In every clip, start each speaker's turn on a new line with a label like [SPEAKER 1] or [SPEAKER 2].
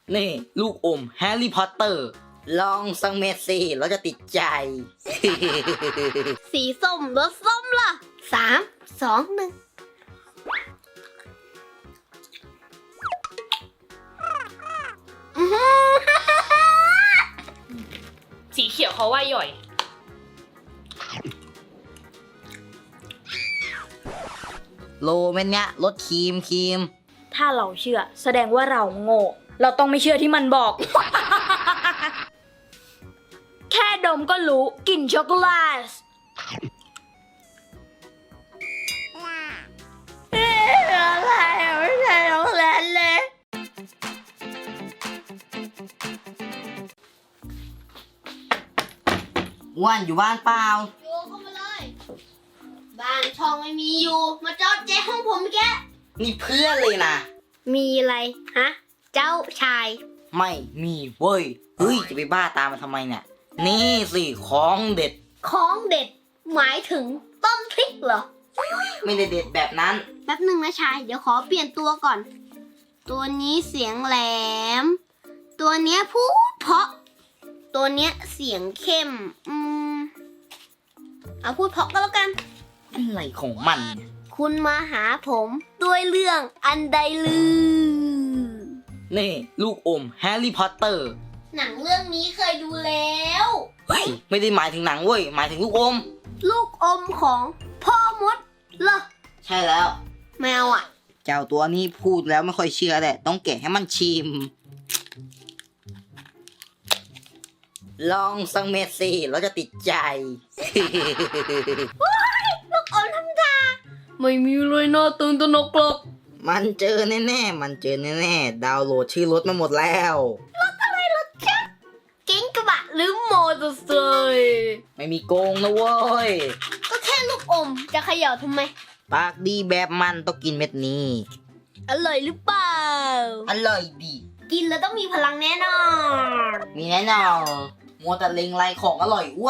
[SPEAKER 1] นี่ลูกอมแฮร์รี่พอตเตอร์ลองสักเม็ดสิเราจะติดใจ
[SPEAKER 2] สีส้มรสส้มล่ะ3 2 1
[SPEAKER 3] สีเขียวเขาว่าย่อย
[SPEAKER 1] โลเม็ดเนี้ยรสครีม
[SPEAKER 3] ถ้าเราเชื่อแสดงว่าเราโง่ เราต้องไม่เชื่อที่มันบอก แค่ดมก็รู้กลิ่นช็อกโกแลตอะไรไม่ใช่ช็อกโกแลตเลย
[SPEAKER 1] อ้วนอยู่บ้านเปล่า
[SPEAKER 2] อยู่เข้ามาเลย บ้านช่องไม่มีอยู่มาจอดเจ๊ห้องผมแก
[SPEAKER 1] นี่เพื่อนเลยนะ
[SPEAKER 2] มีอะไรฮะเจ้าชาย
[SPEAKER 1] ไม่มีเว้ยเฮ้ยจะไปบ้าตามมาทำไมเนี่ยนี่สิของเด็ด
[SPEAKER 2] ของเด็ดหมายถึงต้นพริกเหรอ
[SPEAKER 1] ไม่ได้เด็ดแบบนั้น
[SPEAKER 2] แป๊บหนึ่งนะชาย เดี๋ยวขอเปลี่ยนตัวก่อน ตัวนี้เสียงแหลม ตัวเนี้ยพูดเพราะ ตัวเนี้ยเสียงเข้ม เอาพูดเพราะก็แล้วกัน
[SPEAKER 1] อะไรของมันเนี่ย
[SPEAKER 2] คุณมาหาผมด้วยเรื่องอันใดลือ
[SPEAKER 1] นี่ลูกอมแฮร์รี่พอตเตอร์
[SPEAKER 2] หนังเรื่องนี้เคยดูแล้ว
[SPEAKER 1] เฮ้ยไม่ได้หมายถึงหนังเว้ยหมายถึงลูกอม
[SPEAKER 2] ลูกอมของพ่อมดเหรอ
[SPEAKER 1] ใช่แล้ว
[SPEAKER 2] แมวอ่ะ
[SPEAKER 1] เจ้าตัวนี้พูดแล้วไม่ค่อยเชื่อแหละต้องแกะให้มันชิม ลองสักเม็ดสิเราจะติดใจ
[SPEAKER 2] ลูกอมทำตาไม่มีเลยน่าตื่นตระหนกหรอก
[SPEAKER 1] มันเจอแน่ๆมันเจอแน่ๆดาวน์โหลดชื่อรถมาหมดแล้ว
[SPEAKER 2] เก๋งกระบะหรือมอเตอร์ไซค์
[SPEAKER 1] ไม่มีโกงนะเว้ย
[SPEAKER 2] ก็แค่ลูกอมจะเขย่าทำไม
[SPEAKER 1] ปากดีแบบมันต้องกินเม็ดนี้
[SPEAKER 2] อร่อยหรือเปล่า
[SPEAKER 1] อร่อยดี
[SPEAKER 2] กินแล้วต้องมีพลังแน่นอน
[SPEAKER 1] มีแน่นอนมัวแต่เล็งไรของอร่อยอ้วน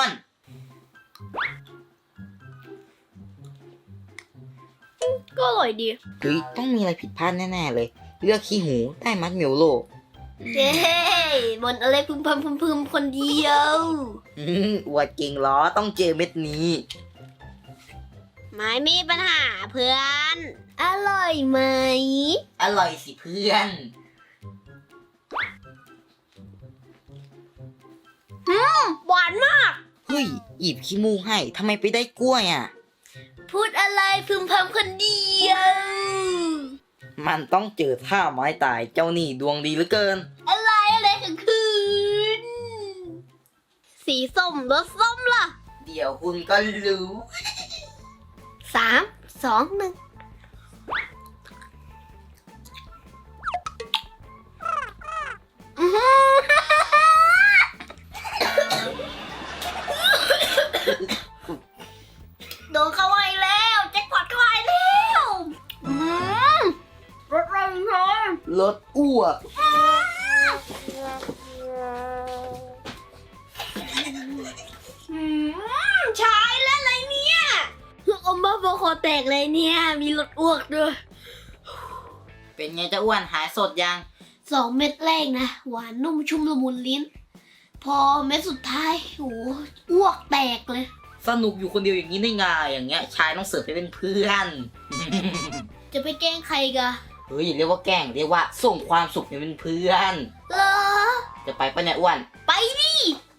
[SPEAKER 2] ก็อร่อยดี
[SPEAKER 1] เฮ้ยต้องมีอะไรผิดพลาดแน่ๆเลย เลือกขี้หูได้มัดเหมียวโล
[SPEAKER 2] เย้บนอะไรพึมพำพึมคนเดียว
[SPEAKER 1] อวดเก่งล้อต้องเจอเม็ดนี้
[SPEAKER 2] ไม่มีปัญหาเพื่อน อร่อยไหม
[SPEAKER 1] อร่อยสิเพื่อน
[SPEAKER 2] หวานมาก
[SPEAKER 1] เฮ้ยหยิบขี้มูกให้ทำไมไปได้กล้วยอ่ะ
[SPEAKER 2] พูดอะไรพึมพำคนเดียว
[SPEAKER 1] มันต้องเจอท่าไม้ตายเจ้านี่ดวงดีเหลือเกิน
[SPEAKER 2] อะไรถึงคืน สีส้มรสส้มล่ะ
[SPEAKER 1] เดี๋ยวคุณก็รู้
[SPEAKER 2] 3 2 1อื้อหือ โดนเข้าไปแล้วแจ็คพอตเข้าไปแล้วรถอะไรคะ
[SPEAKER 1] รถอ้วก
[SPEAKER 2] ชายแล้วอะไรเนี่ยลูกอมบ้าบอคอแตกเลยเนี่ย มีรถอ้วกด้วย
[SPEAKER 1] เป็นไงเจ้าอ้วนหายสดยัง
[SPEAKER 2] 2 เม็ดแรกนะ หวานนุ่มชุ่มละมุนลิ้น พอเม็ดสุดท้ายโอ้อ้วกแตกเลย
[SPEAKER 1] สนุกอยู่คนเดียวอย่างนี้ได้ไงอย่างเงี้ยชายต้องเสิร์ฟให้เป็นเพื่อน
[SPEAKER 2] จะไปแกล้งใครกะ
[SPEAKER 1] เฮ้ยอย่าเรียกว่าแกล้งเรียกว่าส่งความสุขให้เป็นเพื่อน
[SPEAKER 2] เหรอ
[SPEAKER 1] จะไปปะเนี่ยอ้วน
[SPEAKER 2] ไปดิ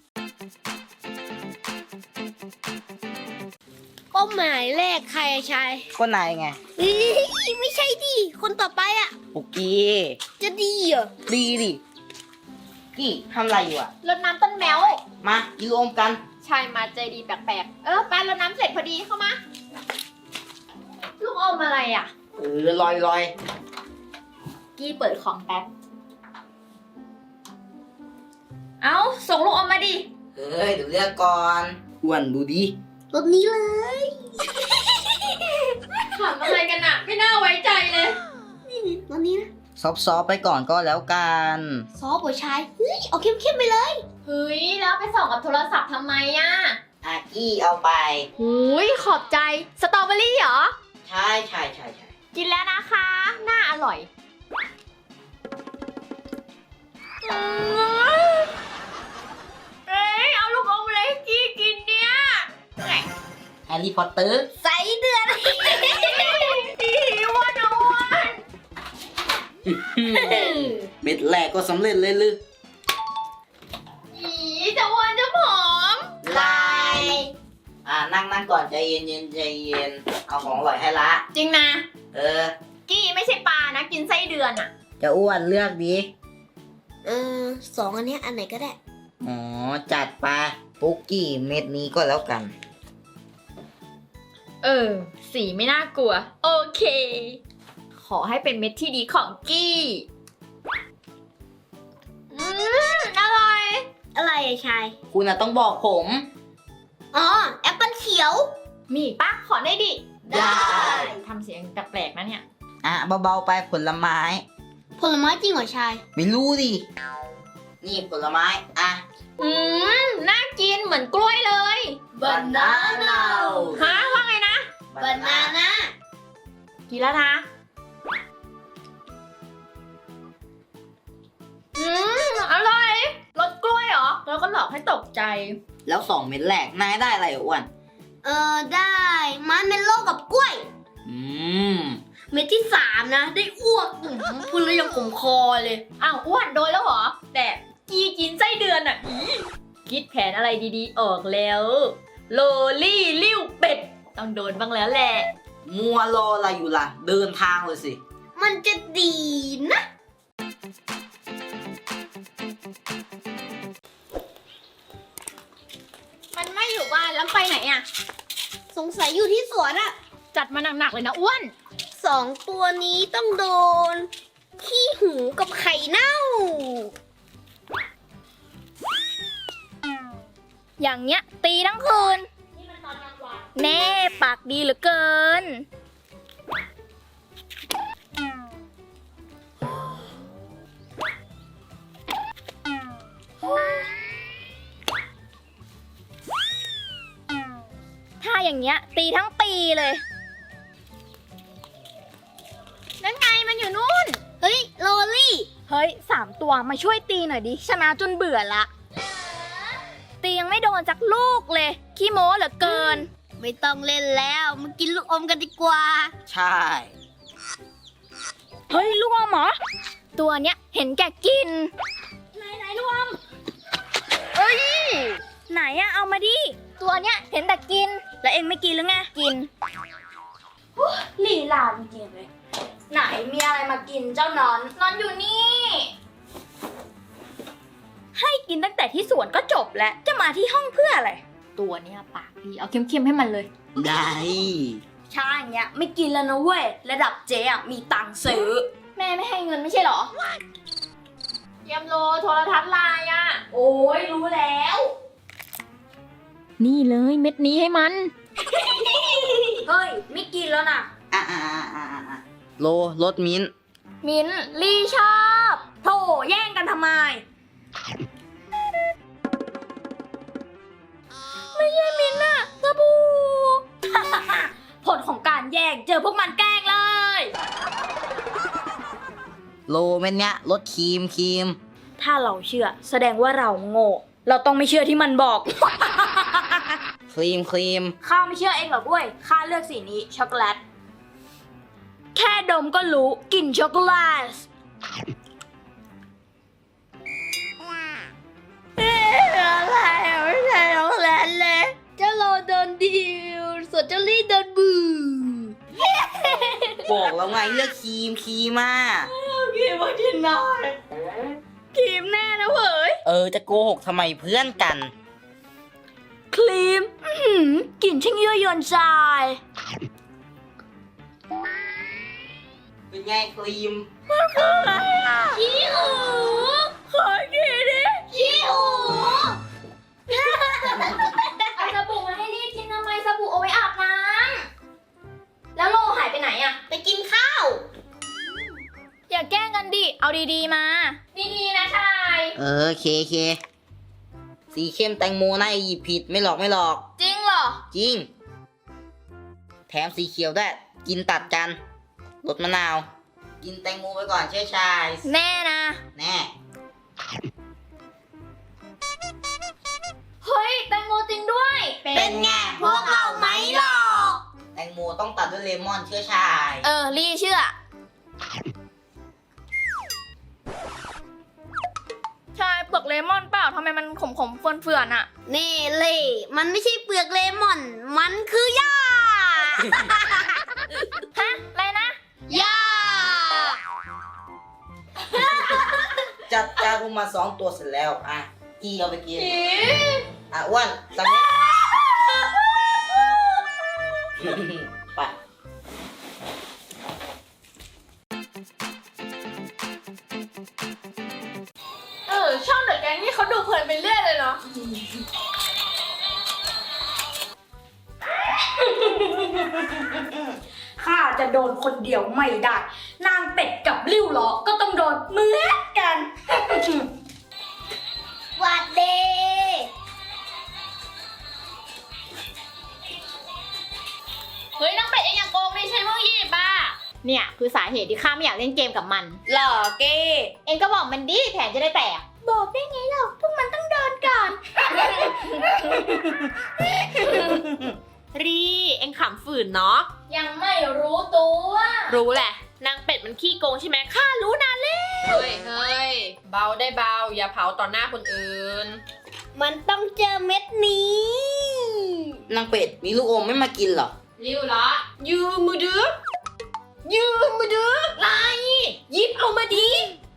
[SPEAKER 2] เป้าหมายแรกใครอะชาย
[SPEAKER 1] ก็นายไง
[SPEAKER 2] เอ้ยไม่ใช่ดิ คนต่อไปอะ
[SPEAKER 1] ปุกกี้
[SPEAKER 2] จะดีเหรอ
[SPEAKER 1] ดีดิกี้ทำอะไรอยู่อะ
[SPEAKER 3] รดน้ำต้นแมว
[SPEAKER 1] มากินรวมกัน
[SPEAKER 3] ชายมาใจดีแปลกๆ ไปรดน้ำเสร็จพอดีเข้ามา ลูกอมอะไรอ่ะ
[SPEAKER 1] ลอย
[SPEAKER 3] กี้เปิดของแป๊บ เอาส่งลูกอมมาดิ
[SPEAKER 1] เฮ้ยเดี๋ยวเลือกก่อนอ้วนดูดิ
[SPEAKER 2] รถนี้เลย
[SPEAKER 3] ถามอะไรกันอะไม่น่าไว้ใจเลย
[SPEAKER 2] นี่รถนี้นะ
[SPEAKER 1] ซอฟๆไปก่อนก็แล้วกัน
[SPEAKER 2] ซอฟหัวชาย เฮ้ย เอาเข้มๆไปเลย
[SPEAKER 3] เฮ้ย แล้วไปส่องกับโทรศัพท์ทำไมอะ
[SPEAKER 1] อากี้เอาไป
[SPEAKER 3] หุยขอบใจ สตรอเบอรี่เหรอ
[SPEAKER 1] ใช่
[SPEAKER 3] กินแล้วนะคะ น่าอร่อย
[SPEAKER 1] ร์รี่พอตเตอร์
[SPEAKER 2] ใส่เดือน
[SPEAKER 3] อ้วนอ้วน
[SPEAKER 1] เม็ดแรกก็สำเร็จเลยลือ
[SPEAKER 3] อีจะอ้วนจะผอม
[SPEAKER 2] ลาย
[SPEAKER 1] นั่งก่อนใจเย็นใจเย็นเอาของอร่อยให้ละ
[SPEAKER 3] จริงนะ
[SPEAKER 1] เออ
[SPEAKER 3] กี้ไม่ใช่ปลานะ กินไส้เดือนอะ
[SPEAKER 1] จะอ้วนเลือกดี
[SPEAKER 2] สองอันเนี้ยอันไหนก็ได้
[SPEAKER 1] อ๋อจัดไปปุกกี้เม็ดนี้ก็แล้วกัน
[SPEAKER 3] สีไม่น่ากลัว โอเค ขอให้เป็นเม็ดที่ดีของกี้อร่อย
[SPEAKER 2] อะไรอะชาย
[SPEAKER 1] คุณน่ะต้องบอกผม
[SPEAKER 2] อ๋อ แอปเปิลเขียว
[SPEAKER 3] มีอีกปะขอได้ดิ
[SPEAKER 1] ได้
[SPEAKER 3] ทำเสียงแปลกๆนะเนี่ย
[SPEAKER 1] เบาๆไปผลไม้
[SPEAKER 2] ผลไม้จริงเหรอชาย
[SPEAKER 1] ไม่รู้ดิ นี่ผลไม้
[SPEAKER 3] น่ากินเหมือนกล้วยเลย
[SPEAKER 2] Banana
[SPEAKER 3] ฮะว่าไงนะ
[SPEAKER 2] Banana
[SPEAKER 3] กินแล้วนะ อร่อยรสกล้วยเหรอ แล้วก็หลอกให้ตกใจ
[SPEAKER 1] แล้ว2 เม็ดแรกนายได้อะไรอ้วน
[SPEAKER 2] ได้มันเมลโล่กับกล้วย
[SPEAKER 1] อืม
[SPEAKER 2] เม็ดที่ 3 นะ ได้อ้วกพูดแล้วยังขมคอเลย
[SPEAKER 3] อ้าวอ้วนโดนแล้วเหรอ แต่กีกินไส้เดือนอ่ะคิดแผนอะไรดีๆออกแล้ว โลลี่ลิ้วเป็ด ต้องโดนบ้างแล้วแหละ
[SPEAKER 1] มัวรออะไรอยู่ล่ะ เดินทางเลยสิ
[SPEAKER 2] มันจะดีนะ
[SPEAKER 3] มันไม่อยู่บ้านแล้วไปไหนอ่ะ
[SPEAKER 2] สงสัยอยู่ที่สวนอะ
[SPEAKER 3] จัดมาหนักๆเลยนะอ้วน
[SPEAKER 2] 2 ตัวนี้ต้องโดน ขี้หูกับไข่เน่า
[SPEAKER 4] อย่างเงี้ยตีทั้งคืน แน่ปากดีเหลือเกิน ถ้าอย่างเงี้ยตีทั้งปีเลย
[SPEAKER 3] นั่นไงมันอยู่นู่น
[SPEAKER 2] เฮ้ย โรลี่
[SPEAKER 4] เฮ้ย3 ตัวมาช่วยตีหน่อยดิ ชนะจนเบื่อละ ตียังไม่โดนจักลูกเลย ขี้โม้เหลือเกิน
[SPEAKER 2] ไม่ต้องเล่นแล้วมากินลูกอมกันดีกว่า
[SPEAKER 1] ใช่
[SPEAKER 4] เฮ้ยลูกอมเหรอ ตัวเนี้ยเห็นแก่กิน ไหนลูกอมเอ้ย ไหนอะเอามาดิ ตัวเนี้ยเห็นแต่กิน แล้วเองไม่กินหรือไง กินลีลาจริงๆเลย ไหนมีอะไรมากินเจ้านอน นอนอยู่นี่ ให้กินตั้งแต่ที่สวนก็จบแล้ว จะมาที่ห้องเพื่ออะไร
[SPEAKER 3] ตัวเนี้ยปากดี เอาเค็มๆให้มันเลย
[SPEAKER 1] ได้
[SPEAKER 4] ชาอย่างเงี้ยไม่กินแล้วนะเว้ย ระดับเจ๊อะมีตังค์ซื้อ แม่ไม่ให้เงินไม่ใช่เหรอ
[SPEAKER 3] เตรียมโลโทรทัศน์ลายอ่ะ
[SPEAKER 4] โอ้ยรู้แล้ว
[SPEAKER 3] นี่เลยเม็ดนี้ให้มัน
[SPEAKER 4] เฮ้ย ไม่กินแล้วนะ
[SPEAKER 1] โลรสมิ้นท์
[SPEAKER 4] มิ้นท์ลี่ชอบ โถแย่งกันทำไม ไม่ใช่มิ้นท์อะสบู่ ผลของการแย่งเจอพวกมันแกล้งเลย
[SPEAKER 1] โลเม็ดเนี้ยรสครีม
[SPEAKER 4] ถ้าเราเชื่อแสดงว่าเราโง่ เราต้องไม่เชื่อที่มันบอก
[SPEAKER 1] ครีม
[SPEAKER 4] ข้าไม่เชื่อเองหรอกเว้ย ข้าเลือกสีนี้ช็อกโกแลต แค่ดมก็รู้กลิ่นช็อกโกแลตอะไรไม่ใช่ช็อกโกแลตเลย
[SPEAKER 2] เจ้าโรโดนดิวส่วนเจ้าลี่โดนบู
[SPEAKER 1] บอกแล้วไงเลือกครีมมา
[SPEAKER 4] ครีมว่าที่นอนครีมแน่นะเว้ย
[SPEAKER 1] จะโกหกทำไมเพื่อนกัน
[SPEAKER 4] ครีมกลิ่นช่างยั่วยวนใจ
[SPEAKER 1] เป็นไงครีม
[SPEAKER 4] ขี้หูขอกินดิขี้หู เอาสบู่มาให้รีบกินทำไมสบู่เอาไว้อาบน้ำแล้วโลหายไปไหนอะ
[SPEAKER 2] ไปกินข้าว
[SPEAKER 4] อย่าแกล้งกันดิ เอาดีๆมา ดีๆนะชาย
[SPEAKER 1] เคสีเข้มแตงโมน่าจะหยิบผิดไม่หลอก
[SPEAKER 4] จริงเหรอ
[SPEAKER 1] จริง แถมสีเขียวด้วยกินตัดกันรสมะนาว กินแตงโมไปก่อนเชื่อชาย
[SPEAKER 4] แน่นะ
[SPEAKER 1] แน่
[SPEAKER 4] เฮ้ย แตงโมจริงด้วย
[SPEAKER 2] เป็นไงพวกเราไม่หลอ
[SPEAKER 1] เลมอนเชื่อชาย
[SPEAKER 4] ลี่เชื่อ ใช่เปลือกเลมอนเปล่าทำไมมันขมๆเฟื่อนๆอะ
[SPEAKER 2] นี่เล่มันไม่ใช่เปลือกเลมอน มันคือหญ้า
[SPEAKER 4] ฮะ อะไรนะ
[SPEAKER 2] หญ้า
[SPEAKER 1] จัดจารุมา2 ตัวเสร็จแล้วอ่ะกีเอาไปกินอ่ะอ้วนสำเร็จ ไป
[SPEAKER 3] ช่องเดอะแก๊งนี่เขาดูเพลินไปเรื่อยเลยเนาะ
[SPEAKER 4] ข้าจะโดนคนเดียวไม่ได้ นางเป็ดกับริ้วล้อก็ต้องโดนเหมือนกัน
[SPEAKER 2] หวัดดี
[SPEAKER 3] เฮ้ยนางเป็ดเองอย่าโกงดิใช่พวกยี่บ้า
[SPEAKER 4] เนี่ยคือสาเหตุที่ข้าไม่อยากเล่นเกมกับมัน
[SPEAKER 2] หล่อเก้
[SPEAKER 4] เองก็บอกมันดิแผนจะได้แตก บอกได้ไงหรอกพวกมันต้องโดนก่อน
[SPEAKER 3] รีเองขำฝืนเนาะ
[SPEAKER 4] ยังไม่รู้ตัว
[SPEAKER 3] รู้แหละ นางเป็ดมันขี้โกงใช่ไหมข้ารู้นานแล้ว เฮ้ย เบาได้เบา อย่าเผาต่อหน้าคนอื่น
[SPEAKER 2] มันต้องเจอเม็ดนี้
[SPEAKER 1] นางเป็ดมีลูกอมไม่มากินเหรอ
[SPEAKER 3] ริ้วละยืมมือดื้อยืมมือดื้อไรหยิบเอามาดี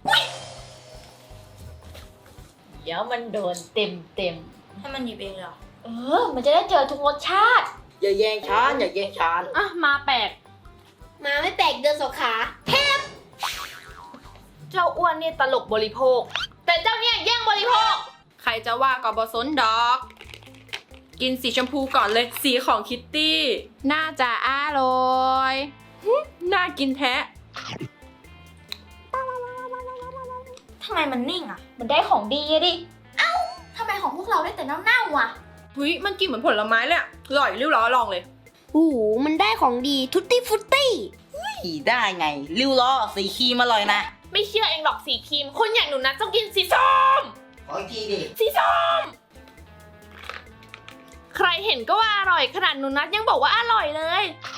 [SPEAKER 3] เดี๋ยวมันโดนเต็ม
[SPEAKER 4] ให้มันหยิบเองเหรอ
[SPEAKER 3] มันจะได้เจอทุกรสชาติ
[SPEAKER 1] อย่าแย่งฉันอย่าแย่งฉัน
[SPEAKER 3] อ่ะ มาแปลก
[SPEAKER 2] มาไม่แปลกเดินสองขา
[SPEAKER 3] เจ้าอ้วนเนี่ยตลกบริโภค แต่เจ้าเนี่ยแย่งบริโภค ใครจะว่าก็บอสนดอก กินสีชมพูก่อนเลย สีของคิตตี้ น่าจะอร่อยน่ากินแท้
[SPEAKER 4] ทำไมมันนิ่งอ่ะ มันได้ของดีอะดิ เอ้าทำไมของพวกเราได้แต่เน่าๆอ่ะ
[SPEAKER 3] เฮ้ยมันกินเหมือนผลไม้เลยอะอร่อยริ้วล้อลองเลย
[SPEAKER 2] โอ้โห มันได้ของดีทุตตี้ฟุตตี้
[SPEAKER 1] ขี่ได้ไง ริ้วล้อสีครีมอร่อยนะ
[SPEAKER 3] ไม่เชื่อเองหรอกสีครีม คนอย่างหนูนะต้องกินสีส้ม
[SPEAKER 1] ขออีกทีดิ
[SPEAKER 3] สีส้ม ใครเห็นก็ว่าอร่อยขนาดหนูนัทยังบอกว่าอร่อยเลย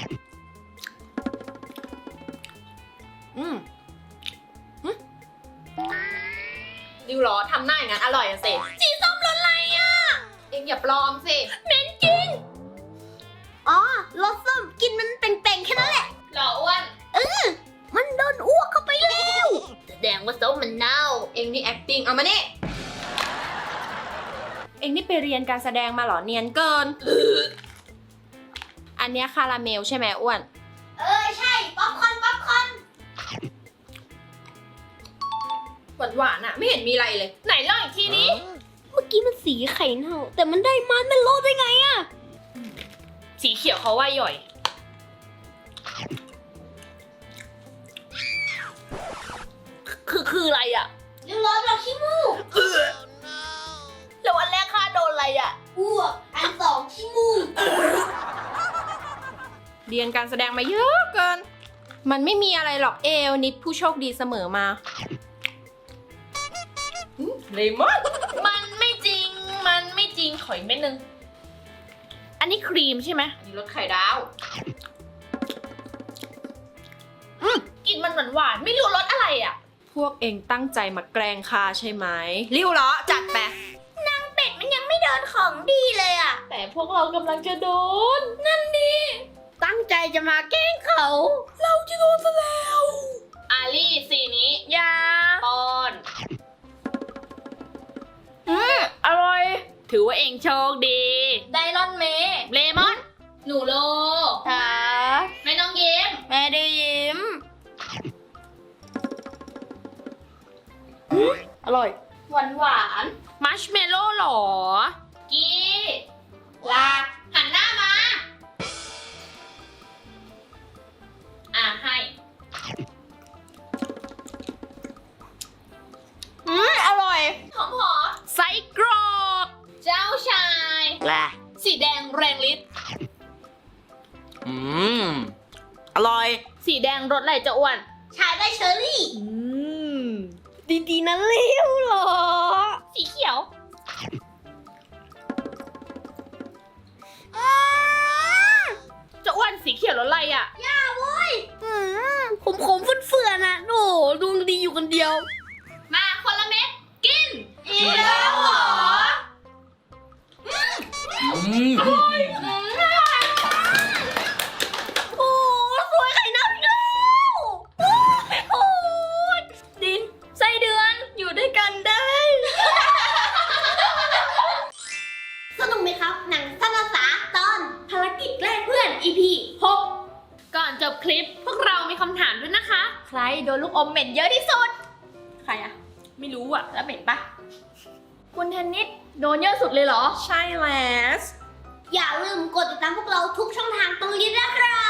[SPEAKER 3] ริ้วล้อทำหน้าอย่างนั้นอร่อยอะสิสีส้มรสอะไรอะเองอย่าปลอมสิเหม็นจริง
[SPEAKER 2] อ๋อ รสส้มกินมันเป่งๆแค่นั้นแหละ
[SPEAKER 3] เหรออ้วน
[SPEAKER 2] มันโดนอ้วกเข้าไปแล้ว
[SPEAKER 3] แสดงว่าส้มมันเน่า เองนี่ acting เอามานี่ เองนี่ไปเรียนการแสดงมาเหรอเนียนเกิน อันเนี้ยคาราเมลใช่ไหมอ้วน
[SPEAKER 2] ใช่ ป๊อปคอร์น ป๊อปคอร์น
[SPEAKER 3] หวานๆอะไม่เห็นมีอะไรเลย ไหนลองอีกทีนี้
[SPEAKER 2] เมื่อกี้มันสีไข่เน่า แต่มันได้มันเป็นโลได้ไงอะ
[SPEAKER 3] สีเขียวเขาว่าย่อย คืออะไรอะ
[SPEAKER 2] เรียบร้อยเราขี้มูก
[SPEAKER 3] แล้ววันแรกข้าโดนอะไรอะ
[SPEAKER 2] อ้วก อันสองขี้มูก
[SPEAKER 3] เรียนการแสดงมาเยอะเกิน มันไม่มีอะไรหรอกเอลนิดผู้โชคดีเสมอมาเลมอนมันไม่จริงขออีกเม็ดนึง อันนี้ครีมใช่ไหมอันนี้รสไข่ดาวกลิ่นมันหวานๆไม่รู้รสอะไรอ่ะ พวกเองตั้งใจมาแกล้งข้าใช่ไหมริ้วเหรอจัดไป
[SPEAKER 2] เป็ดมันยังไม่โดนของดีเลยอะ
[SPEAKER 3] แต่พวกเรากำลังจะโดน
[SPEAKER 2] ตั้งใจจะมาแกล้งเขา
[SPEAKER 3] อาลี่สีนี้ยาปอนอร่อย ถือว่าเองโชคดี
[SPEAKER 4] ไดรอนเมย์
[SPEAKER 3] เลมอน หนูโล
[SPEAKER 2] ค่ะ
[SPEAKER 3] ไม่ต้องยิ้ม
[SPEAKER 2] แม่ได้ยิ้ม
[SPEAKER 3] อร่อย
[SPEAKER 4] หวาน
[SPEAKER 3] มัชเมลโล่หรอ กี้ลาหันหน้ามา ให้
[SPEAKER 2] อร่อย
[SPEAKER 3] หอมไส้กรอกเจ้าชาย
[SPEAKER 1] แหละ
[SPEAKER 3] สีแดงแรงฤทธิ์
[SPEAKER 1] อร่อย
[SPEAKER 3] สีแดงรสอะไรจะอ้วน
[SPEAKER 2] ชายได้เชอรี่ ดีๆนะเลี้ยวเหรอ
[SPEAKER 3] สีเขียว จะอ้วนสีเขียวรสอะไรอ่ะ
[SPEAKER 2] ย่า
[SPEAKER 4] อมเหม็นเยอะที่สุด
[SPEAKER 3] ใครอะไม่รู้อะแล้วเหม็นปะ
[SPEAKER 4] คุณเทนนิสโดนเยอะสุดเลยเหรอ
[SPEAKER 3] ใช่แล้ว
[SPEAKER 2] อย่าลืมกดติดตามพวกเราทุกช่องทางตรงนี้นะครับ